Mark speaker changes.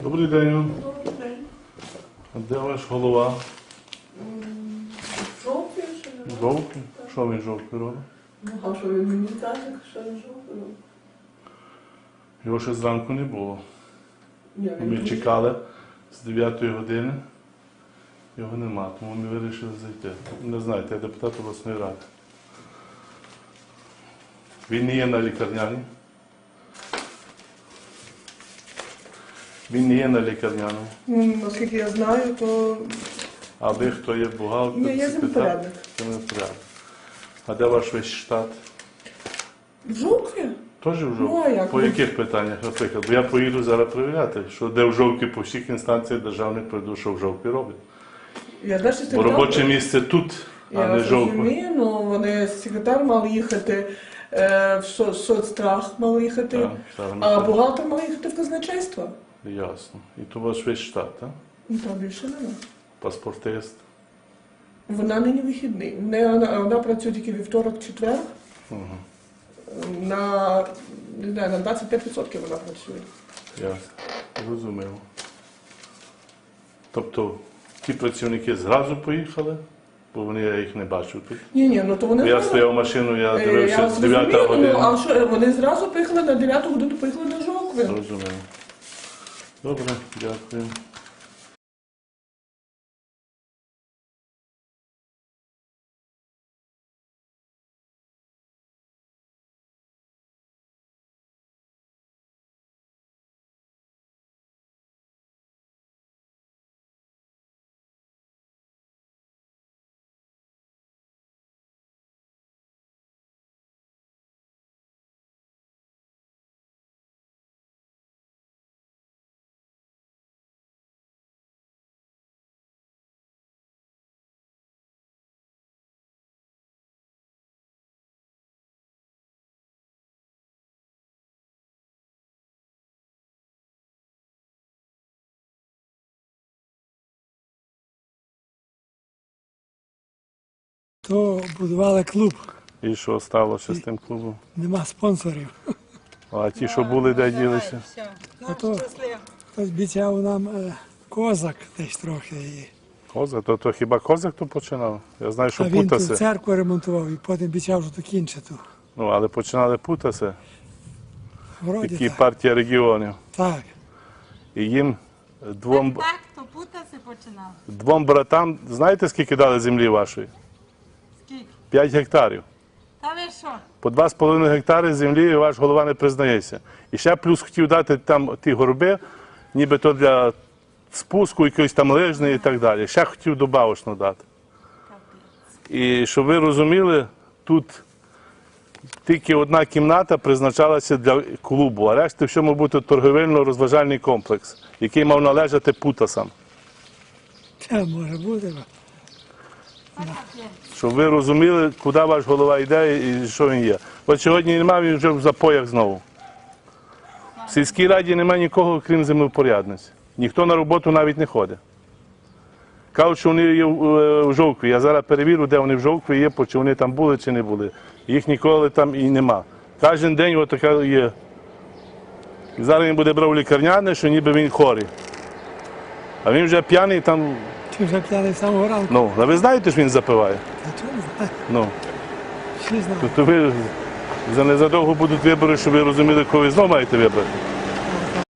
Speaker 1: Добрий день.
Speaker 2: Добрий день.
Speaker 1: А де ваш голова?
Speaker 2: Жовтий ще не робить.
Speaker 1: Жовтий? Що він жовтий робить?
Speaker 2: Ну, а що він мені каже, що не жовтий робить?
Speaker 1: Його ще зранку не було.
Speaker 2: Ні, він
Speaker 1: Ми
Speaker 2: дуже-
Speaker 1: чекали з 9 години. Його нема, тому ми вирішили зайти. Не знаєте, я депутат обласної ради. Він не є на лікарняній. Він не є на лікарняному.
Speaker 2: Наскільки я знаю, то
Speaker 1: А ви хто є бухгалтер?
Speaker 2: Ні, я землепорядник.
Speaker 1: Землепорядник. А де ваш весь штат?
Speaker 2: в Жовкві.
Speaker 1: Теж в
Speaker 2: Ну, а
Speaker 1: Жовкві?
Speaker 2: як?
Speaker 1: По яких питаннях, наприклад? Бо я поїду зараз перевіряти, що де в Жовкві по всіх інстанціях державних прийду, що в Жовкві робить.
Speaker 2: Я далі
Speaker 1: Бо робоче місце тут, а
Speaker 2: Я
Speaker 1: не Жовкві.
Speaker 2: розумію, ну вони секретар мав їхати, в соцстрах мав їхати,
Speaker 1: Так, так,
Speaker 2: а
Speaker 1: так.
Speaker 2: бухгалтер мав їхати в казначейство.
Speaker 1: Ясно. І то ваш весь штат, так?
Speaker 2: Ну, там більше нема.
Speaker 1: Паспортист.
Speaker 2: Вона нині вихідний. Вона працює тільки вівторок-четвер.
Speaker 1: Угу.
Speaker 2: Не знаю, на 25% вона працює.
Speaker 1: Ясно. Зрозуміло. Тобто ті працівники зразу поїхали, бо я їх не бачив тут.
Speaker 2: Ні, ну то вони
Speaker 1: Я
Speaker 2: зразу-
Speaker 1: стояв машину, я
Speaker 2: Я
Speaker 1: дивився з 9
Speaker 2: розумію,
Speaker 1: години.
Speaker 2: ну, а що, вони зразу поїхали на 9 годину, поїхали на Жовкві.
Speaker 1: Зрозуміло. Добре, дякую.
Speaker 3: То будували клуб,
Speaker 1: І що сталося з тим клубом?
Speaker 3: нема спонсорів.
Speaker 1: А ті, що були, де ділися?
Speaker 3: А то хтось обіцяв нам козак десь трохи.
Speaker 1: Козак? То хіба козак то починав? Я знаю, що
Speaker 3: А він тут
Speaker 1: Путаси.
Speaker 3: церкву ремонтував і потім обіцяв, що докінчити.
Speaker 1: Ну, але починали Путаси,
Speaker 3: Вроді
Speaker 1: які
Speaker 3: так.
Speaker 1: партія регіонів.
Speaker 3: Так.
Speaker 1: І їм двом
Speaker 4: Так, то Путаси починав.
Speaker 1: братам, знаєте, скільки дали землі вашої?
Speaker 4: Скільки?
Speaker 1: 5 гектарів.
Speaker 4: Та ви що?
Speaker 1: По 2,5 гектари землі ваш голова не признається. І ще плюс хотів дати там ті горби, нібито для спуску, якоїсь там лижної і так далі. Ще хотів добавочно дати. І щоб ви розуміли, тут тільки одна кімната призначалася для клубу, а решта все мав бути торговельно-розважальний комплекс, який мав належати Путасам.
Speaker 3: Це може бути.
Speaker 1: Щоб ви розуміли, куди ваш голова йде і що він є. От сьогодні немає, він вже в запоях знову. В сільській раді немає нікого, крім землевпорядниць. Ніхто на роботу навіть не ходить. Кажуть, що вони є в Жовкві. Я зараз перевірю, де вони в Жовкві є, чи вони там були, чи не були. Їх ніколи там і нема. Кожен день отака є. І зараз він буде брав лікарняне, що ніби він хворий. А він вже п'яний там.
Speaker 3: Чи вже п'яний з самого ранку?
Speaker 1: Ну, а ви знаєте, що він запиває?
Speaker 3: Та чого не знаю?
Speaker 1: Ну.
Speaker 3: Всі знають.
Speaker 1: Тобто ви за незадовго будуть вибори, щоб ви розуміли, кого ви знову маєте вибрати.